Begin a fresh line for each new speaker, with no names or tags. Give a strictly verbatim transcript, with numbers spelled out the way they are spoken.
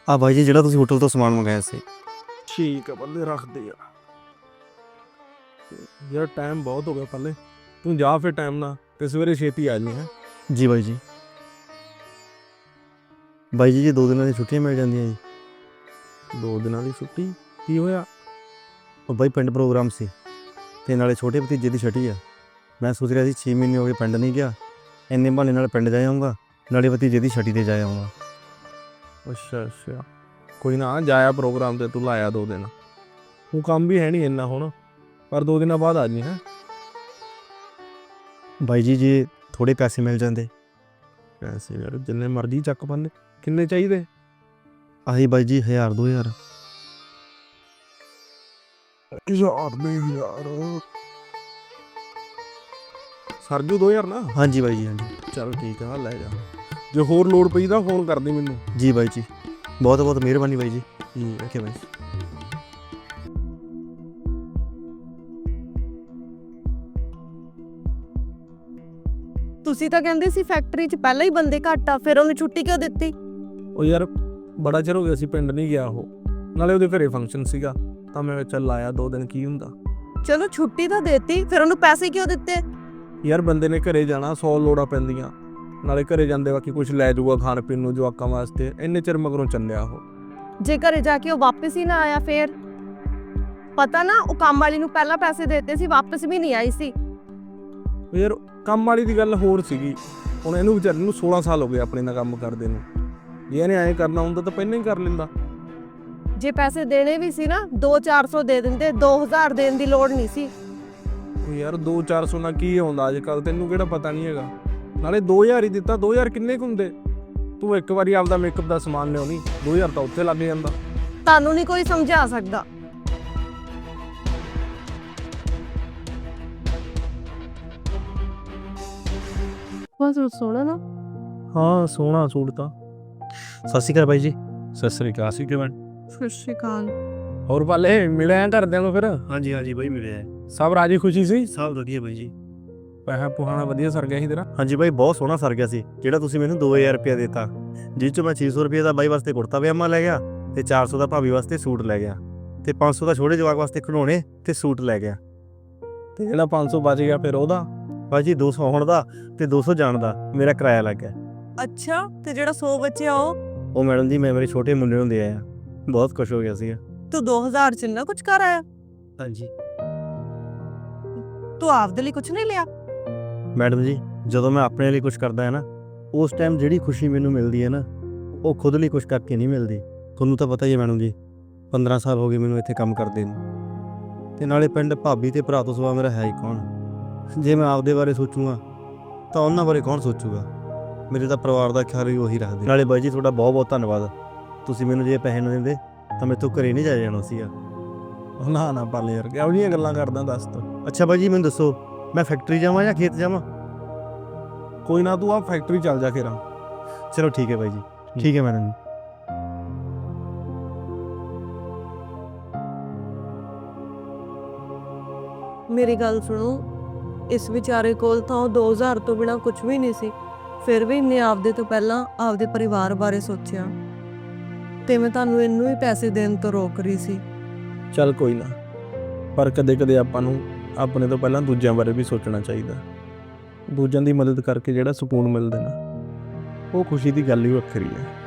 ਆ ਬਾਈ ਜੀ ਜਿਹੜਾ ਤੁਸੀਂ ਹੋਟਲ ਤੋਂ ਸਮਾਨ ਮੰਗਾਇਆ ਸੀ।
ਠੀਕ ਆ ਪੱਲੇ ਰੱਖਦੇ ਆ ਯਾਰ, ਟਾਈਮ ਬਹੁਤ ਹੋ ਗਿਆ ਪੱਲੇ, ਤੂੰ ਜਾ ਫਿਰ ਟਾਈਮ ਨਾਲ ਤੇ ਸਵੇਰੇ ਛੇਤੀ ਆ ਜੀ। ਹੈ
ਜੀ ਬਾਈ ਜੀ। ਬਾਈ ਜੀ ਜੀ ਦੋ ਦਿਨਾਂ ਦੀ ਛੁੱਟੀਆਂ ਮਿਲ ਜਾਂਦੀਆਂ ਜੀ।
ਦੋ ਦਿਨਾਂ ਦੀ ਛੁੱਟੀ ਕੀ ਹੋਇਆ?
ਉਹ ਬਾਈ ਪਿੰਡ ਪ੍ਰੋਗਰਾਮ ਸੀ ਤੇ ਨਾਲੇ ਛੋਟੇ ਭਤੀਜੇ ਦੀ ਛੁੱਟੀ ਆ। ਮੈਂ ਸੋਚ ਰਿਹਾ ਸੀ ਛੇ ਮਹੀਨੇ ਹੋ ਗਏ ਪਿੰਡ ਨਹੀਂ ਗਿਆ, ਇੰਨੇ ਬਹਾਨੇ ਨਾਲ ਪਿੰਡ ਜਾ ਆਊਂਗਾ, ਨਾਲੇ ਭਤੀਜੇ ਦੀ ਛੁੱਟੀ 'ਤੇ ਜਾ ਆਊਂਗਾ।
ਅੱਛਾ ਅੱਛਾ, ਕੋਈ ਨਾ ਜਾਇਆ ਪ੍ਰੋਗਰਾਮ ਤੇ, ਤੂੰ ਲਾਇਆ ਦੋ ਦਿਨ, ਤੂੰ ਕੰਮ ਵੀ ਹੈ ਨਹੀਂ ਇੰਨਾ ਹੁਣ, ਪਰ ਦੋ ਦਿਨਾਂ ਬਾਅਦ ਆ ਜੀ। ਹੈ
ਬਾਈ ਜੀ ਜੇ ਥੋੜ੍ਹੇ ਪੈਸੇ ਮਿਲ ਜਾਂਦੇ।
ਪੈਸੇ ਯਾਰ ਜਿੰਨੇ ਮਰਜ਼ੀ ਚੱਕ ਪਾਉਂਦੇ, ਕਿੰਨੇ ਚਾਹੀਦੇ?
ਆਹੀ ਬਾਈ ਜੀ ਹਜ਼ਾਰ ਦੋ ਹਜ਼ਾਰ।
ਹਜ਼ਾਰ ਦੇ ਯਾਰ ਸਰਜੂ ਦੋ ਹਜ਼ਾਰ ਨਾ?
ਹਾਂਜੀ ਬਾਈ ਜੀ ਹਾਂਜੀ।
ਚਲ ਠੀਕ ਆ, ਲੈ ਜਾ, ਜੇ ਹੋਰ ਲੋੜ ਪਈ ਤਾਂ ਫੋਨ ਕਰਦੀ ਮੈਨੂੰ।
ਜੀ ਬਾਈ ਜੀ, ਬਹੁਤ ਬਹੁਤ ਮਿਹਰਬਾਨੀ ਬਾਈ ਜੀ।
ਠੀਕ ਹੈ
ਓਕੇ ਬਾਈ।
ਤੁਸੀਂ ਤਾਂ ਕਹਿੰਦੇ ਸੀ ਫੈਕਟਰੀ 'ਚ ਪਹਿਲਾਂ ਹੀ ਬੰਦੇ ਘੱਟ ਆ, ਫਿਰ ਉਹਨੂੰ ਛੁੱਟੀ ਕਿਉਂ ਦਿੱਤੀ?
ਉਹ ਯਾਰ ਬੜਾ ਚਿਰ ਹੋ ਗਿਆ ਸੀ ਪਿੰਡ ਨਹੀਂ ਗਿਆ ਉਹ, ਨਾਲੇ ਉਹਦੇ ਘਰੇ ਫੰਕਸ਼ਨ ਸੀਗਾ ਤਾਂ ਮੈਂ ਚੱਲ ਆਇਆ, ਦੋ ਦਿਨ ਕੀ ਹੁੰਦਾ।
ਚਲੋ ਛੁੱਟੀ ਤਾਂ ਦੇਤੀ, ਫਿਰ ਉਹਨੂੰ ਪੈਸੇ ਕਿਉਂ ਦਿੱਤੇ?
ਯਾਰ ਬੰਦੇ ਨੇ ਘਰੇ ਜਾਣਾ, ਸੌ ਲੋੜਾਂ ਪੈਂਦੀਆਂ, ਨਾਲੇ ਘਰੇ ਜਾਂਦੇ ਬਾਕੀ ਕੁਝ ਲੈ ਜਾਊਗਾ ਖਾਣ ਪੀਣ ਨੂੰ ਜਵਾਕਾਂ ਵਾਸਤੇ, ਇੰਨੇ ਚਿਰ ਮਗਰੋਂ ਚੱਲਿਆ ਉਹ।
ਜੇ ਘਰੇ ਜਾ ਕੇ ਉਹ ਵਾਪਸ ਹੀ ਨਾ ਆਇਆ ਫੇਰ? ਪਤਾ ਨਾ ਉਹ ਕੰਮ ਵਾਲੀ ਨੂੰ ਪਹਿਲਾਂ ਪੈਸੇ ਦੇਤੇ ਸੀ, ਵਾਪਸ ਵੀ ਨਹੀਂ ਆਈ ਸੀ।
ਉਹ ਯਾਰ ਕੰਮ ਵਾਲੀ ਦੀ ਗੱਲ ਹੋਰ ਸੀਗੀ, ਹੁਣ ਇਹਨੂੰ ਵਿਚਾਰੇ ਨੂੰ ਸੋਲਾਂ ਸਾਲ ਹੋ ਗਏ ਆਪਣੇ ਨਾਲ ਕੰਮ ਕਰਦੇ ਨੂੰ, ਜੇ ਇਹਨੇ ਐਂ ਕਰਨਾ ਹੁੰਦਾ ਤਾਂ ਪਹਿਲਾਂ ਹੀ ਕਰ ਲੈਂਦਾ।
ਜੇ ਪੈਸੇ ਦੇਣੇ ਵੀ ਸੀ ਨਾ, ਦੋ ਚਾਰ ਸੌ ਦੇ ਦਿੰਦੇ, ਦੋ ਹਜ਼ਾਰ ਦੇਣ ਦੀ ਲੋੜ ਨਹੀਂ ਸੀ।
ਉਹ ਯਾਰ ਦੋ ਚਾਰ ਸੌ ਨਾਲ ਕੀ ਆਉਂਦਾ ਅੱਜ ਕੱਲ੍ਹ, ਤੈਨੂੰ ਕਿਹੜਾ ਪਤਾ ਨਹੀਂ ਹੈਗਾ, ਨਾਲੇ ਦੋ ਹਜ਼ਾਰ ਹੀ ਦਿੱਤਾ, ਦੋ ਹਜ਼ਾਰ ਕਿੰਨੇ ਕੁ ਹੁੰਦੇ? ਤੂੰ ਇੱਕ ਵਾਰੀ ਆਪਦਾ ਮੇਕਅਪ ਦਾ ਸਮਾਨ ਲਿਆਉਣੀ, ਦੋ ਹਜ਼ਾਰ ਤਾਂ ਉੱਥੇ ਲੱਗ ਜਾਂਦਾ।
ਤੁਹਾਨੂੰ ਨਹੀਂ ਕੋਈ ਸਮਝਾ ਸਕਦਾ। ਬਸ ਸੋਹਣਾ ਨਾ।
ਹਾਂ ਸੋਹਣਾ ਸੂਟ ਤਾਂ।
ਸਤਿ ਸ਼੍ਰੀ ਅਕਾਲ ਬਾਈ ਜੀ।
ਸਤਿ ਸ੍ਰੀ ਅਕਾਲ ਸੀ ਕਿਵੇਂ?
ਸਤਿ ਸ਼੍ਰੀ ਅਕਾਲ।
ਹੋਰ ਪਾਲੇ ਮਿਲਿਆ ਘਰਦਿਆਂ ਨੂੰ ਫਿਰ?
ਹਾਂਜੀ ਹਾਂਜੀ ਬਾਈ ਮਿਲਿਆ।
ਸਭ ਰਾਜੀ ਖੁਸ਼ੀ ਸੀ?
ਸਭ ਵਧੀਆ ਬਾਈ ਜੀ।
ਪੈਸਾ ਪੁਹਾਣਾ ਵਧੀਆ ਸਰ ਗਿਆ ਸੀ ਤੇਰਾ?
ਹਾਂਜੀ ਬਾਈ ਬਹੁਤ ਸੋਹਣਾ ਸਰ ਗਿਆ ਸੀ, ਜਿਹੜਾ ਤੁਸੀਂ ਮੈਨੂੰ ਦੋ ਹਜ਼ਾਰ ਰੁਪਇਆ ਦਿੱਤਾ, ਜਿਸ 'ਚੋਂ ਮੈਂ ਛੇ ਸੌ ਰੁਪਏ ਦਾ ਬਾਈ ਵਾਸਤੇ ਕੁੜਤਾ ਪਜਾਮਾ ਲੈ ਗਿਆ ਤੇ ਚਾਰ ਸੌ ਦਾ ਭਾਬੀ ਵਾਸਤੇ ਸੂਟ ਲੈ ਗਿਆ ਤੇ ਪੰਜ ਸੌ ਦਾ ਛੋਟੇ ਜਵਾਕ ਵਾਸਤੇ ਖਿਡੌਣੇ ਤੇ ਸੂਟ ਲੈ ਗਿਆ।
ਤੇ ਜਿਹੜਾ ਪੰਜ ਸੌ ਬਚ ਗਿਆ ਫਿਰ ਉਹਦਾ?
ਬਾਈ ਜੀ ਦੋ ਸੌ ਆਉਣ ਦਾ ਤੇ ਦੋ ਸੌ ਜਾਣ ਦਾ ਮੇਰਾ ਕਿਰਾਇਆ ਲੱਗ ਗਿਆ।
ਅੱਛਾ, ਤੇ ਜਿਹੜਾ ਸੌ ਬਚਿਆ ਉਹ?
ਉਹ ਮੈਡਮ ਜੀ ਮੈਂ ਮੇਰੇ ਛੋਟੇ ਮੁੰਡੇ ਨੂੰ ਦੇ ਆਇਆ, ਬਹੁਤ ਖੁਸ਼ ਹੋ ਗਿਆ ਸੀਗਾ।
ਤੂੰ ਦੋ ਹਜ਼ਾਰ ਚ ਨਾ ਕੁਝ ਕਰ ਆਇਆ?
ਹਾਂਜੀ
ਤੂੰ ਆਪਦੇ ਲਈ ਕੁਝ ਨਹੀਂ ਲਿਆ?
ਮੈਡਮ ਜੀ ਜਦੋਂ ਮੈਂ ਆਪਣੇ ਲਈ ਕੁਝ ਕਰਦਾ ਹੈ ਨਾ, ਉਸ ਟਾਈਮ ਜਿਹੜੀ ਖੁਸ਼ੀ ਮੈਨੂੰ ਮਿਲਦੀ ਹੈ ਨਾ, ਉਹ ਖੁਦ ਲਈ ਕੁਝ ਕਰਕੇ ਨਹੀਂ ਮਿਲਦੀ। ਤੁਹਾਨੂੰ ਤਾਂ ਪਤਾ ਹੀ ਹੈ ਮੈਡਮ ਜੀ, ਪੰਦਰਾਂ ਸਾਲ ਹੋ ਗਏ ਮੈਨੂੰ ਇੱਥੇ ਕੰਮ ਕਰਦੇ ਨੂੰ, ਤੇ ਨਾਲੇ ਪਿੰਡ ਭਾਬੀ ਤੇ ਭਰਾ ਤੋਂ ਸਿਵਾ ਮੇਰਾ ਹੈ ਹੀ ਕੌਣ। ਜੇ ਮੈਂ ਆਪਦੇ ਬਾਰੇ ਸੋਚੂਗਾ ਤਾਂ ਉਹਨਾਂ ਬਾਰੇ ਕੌਣ ਸੋਚੂਗਾ? ਮੇਰੇ ਤਾਂ ਪਰਿਵਾਰ ਦਾ ਖਿਆਲ ਵੀ ਉਹੀ ਰੱਖਦੇ। ਨਾਲੇ ਬਾਈ ਜੀ ਤੁਹਾਡਾ ਬਹੁਤ ਬਹੁਤ ਧੰਨਵਾਦ, ਤੁਸੀਂ ਮੈਨੂੰ ਜੇ ਪੈਸੇ ਨਾ ਦਿੰਦੇ ਤਾਂ ਮੇਰੇ ਤੋਂ ਘਰੇ ਨਹੀਂ ਜਾ ਜਾਣਾ ਸੀਗਾ।
ਨਾ ਨਾ ਪਾਲੇ ਯਾਰ ਕਿਹੋ ਜਿਹੀਆਂ ਗੱਲਾਂ ਕਰਦਾ ਦੱਸ ਤੂੰ।
ਅੱਛਾ ਬਾਈ ਜੀ ਮੈਨੂੰ ਦੱਸੋ, ਮੈਂ ਫੈਕਟਰੀ ਜਾਵਾਂ ਜਾਂ ਖੇਤ ਜਾਵਾਂ?
ਕੋਈ ਨਾ ਤੂੰ ਆ ਫੈਕਟਰੀ ਚੱਲ ਜਾ ਫਿਰ।
ਚਲੋ ਠੀਕ ਹੈ ਬਾਈ ਜੀ। ਠੀਕ ਹੈ ਮੈਡਮ ਜੀ।
ਮੇਰੀ ਗੱਲ ਸੁਣੋ, ਇਸ ਵਿਚਾਰੇ ਕੋਲ ਤਾਂ ਉਹ ਦੋ ਹਜ਼ਾਰ ਤੋਂ ਬਿਨਾ ਕੁਝ ਵੀ ਨਹੀਂ ਸੀ, ਫਿਰ ਵੀ ਇਹਨੇ ਆਪਦੇ ਤੋਂ ਪਹਿਲਾਂ ਆਪਦੇ ਪਰਿਵਾਰ ਬਾਰੇ ਸੋਚਿਆ, ਤੇ ਮੈਂ ਤੁਹਾਨੂੰ ਇਹਨੂੰ ਹੀ ਪੈਸੇ ਦੇਣ ਤੋਂ ਰੋਕ ਰਹੀ ਸੀ।
ਚੱਲ ਕੋਈ ਨਾ, ਪਰ ਕਦੇ ਕਦੇ ਆਪਾਂ ਨੂੰ ਆਪਣੇ ਤੋਂ ਪਹਿਲਾਂ ਦੂਜਿਆਂ ਬਾਰੇ ਵੀ ਸੋਚਣਾ ਚਾਹੀਦਾ। ਦੂਜਿਆਂ ਦੀ ਮਦਦ ਕਰਕੇ ਜਿਹੜਾ ਸਕੂਨ ਮਿਲਦਾ ਨਾ, ਉਹ ਖੁਸ਼ੀ ਦੀ ਗੱਲ ਹੀ ਵੱਖਰੀ ਹੈ।